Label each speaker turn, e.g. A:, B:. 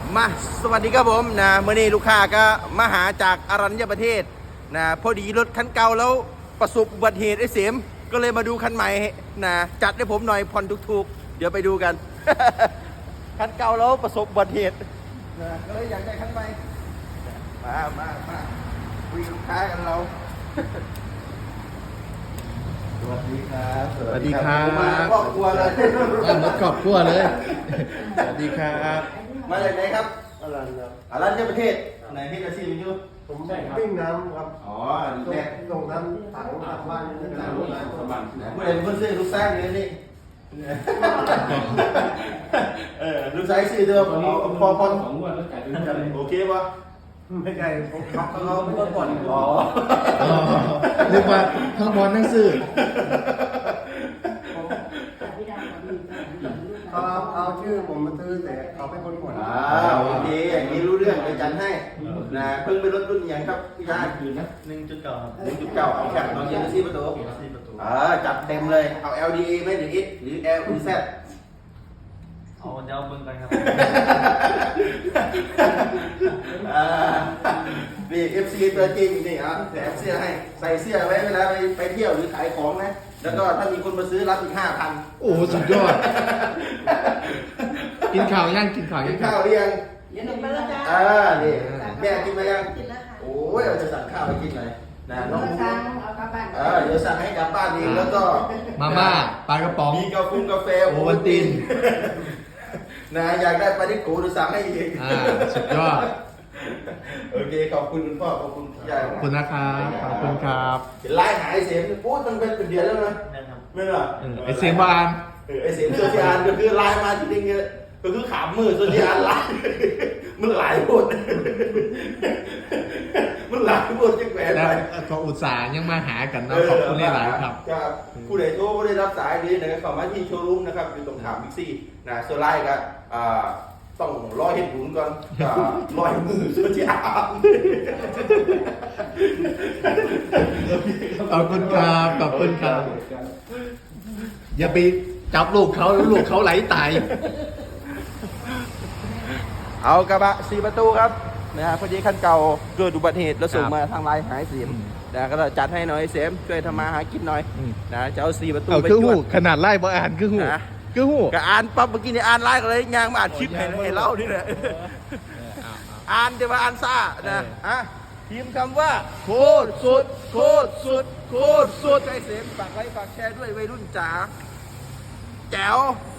A: มาสวัสดีครับผมนะเมื่อนี้ลูกค้าก็มาหาจากอรัญญประเทศนะพอดีรถคันเก่าแล้วประสบอุบัติเหตุไอ้เสียมก็เลยมาดูคันใหม่นะจัดให้ผมหน่อยผ่อนถูกๆเดี๋ยวไปดูกัน คันเก่าแล้วประสบอุบัติเหตุนะก็เลยอยากได้คันใหม่มาคุยกับลูกค้ากันเรา สวัสดีครับ
B: สวัสดีครับ
A: มาครอบครัวเลย
B: หมดครอบครัวเลย สวัสดีครับ
A: มาจากไหนครับ
C: อรัญญครับ
A: อรัญญประเทศไหนที่อาชีพอยู่
C: ผมปิ้งน้ำครับ
A: อ๋อ
C: ส่งน้ำถังทางบ้านนี่นะ
A: ผู้ใดเป็นคนซื้อลูกสร้างเลยนี่ลูกชายซื้อเดิมพอของงวดแล้วจ่ายเป็นโอเคปะ
C: ไม่ใช่ผมขับ
A: เขาเพิ่งผ่อนอ๋อ
B: เรียกว่าทั้งบอลทั้งสื่อ
C: เอาชื่อผมมาซื้อแต่เขาเป็นคนผ่อน
A: โอเคอย่างนี้รู้เรื่องจะจัดให้นะเพิ่งไปรถรุ่นอย่างครับพี่ชาย
C: 1.9
A: 1.9เอาแค่ตอนเย็น4 ประตูจัดเต็มเลยเอา LDA ไหมหรือ X หรือ L หรือ Z
D: เอาเดี๋ยวเบิ่งกันครับ
A: นี่ FC ตัวจริงนี่อ่ะแถมเสื้อให้ใส่เสื้อไว้เวลาไปเที่ยวหรือขายของนะแล้วก็ถ้ามีคนมาซื้อรับอีก 5,000
B: โอ้สุดยอด กินข่าวยังกินข่าว
A: กิ
B: ยั
A: น
B: ง
A: ข้าวหรือยัง
E: กินนมไปแล้วจ้า
A: นี่แม่กินมายัง
E: กินแล้วค่ะ
A: โอ้ยเราจะสั่งข้าวไปกินหน่อยนะน้อง
E: สั่งเอากลับบ้าน
A: เดี๋ยวสั่งให้กลับบ้านเองแล้วก็
B: มาม่าปลากระป๋อง
A: มีกาแฟ
B: โอวัลติน
A: นะอยากได้ปลาดิโก้หรือสั่งให้เอง
B: สุดยอด
A: โอเคขอบคุณคุณพ่อขอบคุณพี่ยาย
B: ขอบคุณนะครับขอบคุณครับ
A: เห็นไลน์หายเสียงโอ้ตั้งเป็นเดือนแล้วนะ
D: นะครับ
A: ไม่หรอ
B: ไอเสียงบาน
A: ไอเสียงโซเชียลก็คือไลน์มาจริงๆก็คือขามมือโซเชียลไลน์มันหลายบทมันหลายบทจังแหวน
B: แล้
A: ไป
B: วก็อุตส่าห์ยังมาหากันนะขอบคุณหลายๆครับ
A: ผู้ใดโทรไม่ได้รับสายนี้นะครับเข้ามาที่โชว์รูมนะครับอยู่ตรงขามบิ๊กซีนะโซไลน์ก็ต้องรอเห็นบุญก่อนรอให้มือโซเชียล
B: ขอบคุณครับขอบคุณครับ อย่าไปจับลูกเขาแล้วลูกเขาไหลตาย
A: เอากระบะ4 ประตูครับนะฮะพอดีคันเก่าเกิดอุบัติเหตุแล้วส่งมาทางไลน์หายเสียมนะก็จัดให้หน่อยเสียมช่วยทำมาหากินหน่อยนะจะเอา4 ประตู
B: เอา
A: ไป
B: คือ
A: จ
B: หู
A: วด
B: ขนาดไล่บ่อ่านคือหู
A: นะ
B: คือหู
A: ก็อ่านปั๊บเมื่อกี้นี่อ่านไลน์ก็เลยยางมาอ่านคลิปให้เล่านี่แหละอ่านแต่ว่าอ่านซ่านะพิมพ์คำว่าโคตรสุดโคตรสุดโคตรสุดให้เสียมฝากไลค์ฝากแชร์ด้วยวัยรุ่นจ๋าแจ๋ว